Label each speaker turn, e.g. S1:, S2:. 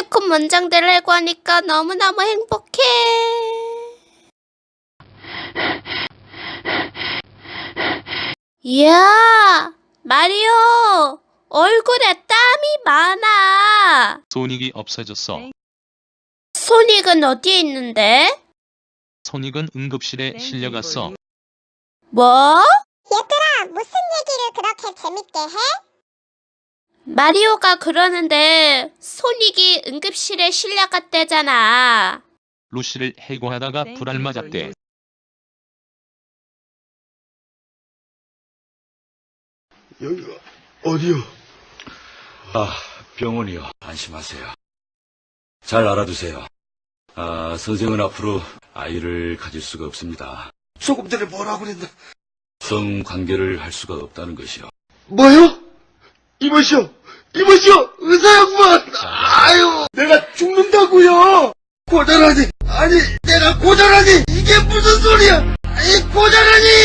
S1: 시트콤 문장들을 해고하니까 너무너무 행복해. 이야, 마리오, 얼굴에 땀이 많아.
S2: 소닉이 없어졌어.
S1: 소닉은 어디에 있는데?
S2: 소닉은 응급실에 실려갔어.
S1: 뭐?
S3: 얘들아, 무슨 얘기를 그렇게 재밌게 해?
S1: 마리오가 그러는데 소닉이 응급실에 실려갔대잖아.
S2: 루시를 해고하다가 불알 맞았대.
S4: 여기가 어디요?
S5: 아, 병원이요. 안심하세요. 잘 알아두세요. 선생은 앞으로 아이를 가질 수가 없습니다.
S4: 조금 전에 뭐라고 그랬나?
S5: 성관계를 할 수가 없다는 것이요.
S4: 뭐요? 이보시오! 이보시오! 의사 양반! 아유! 내가 죽는다고요! 고자라니! 아니, 내가 고자라니! 이게 무슨 소리야! 아니, 고자라니!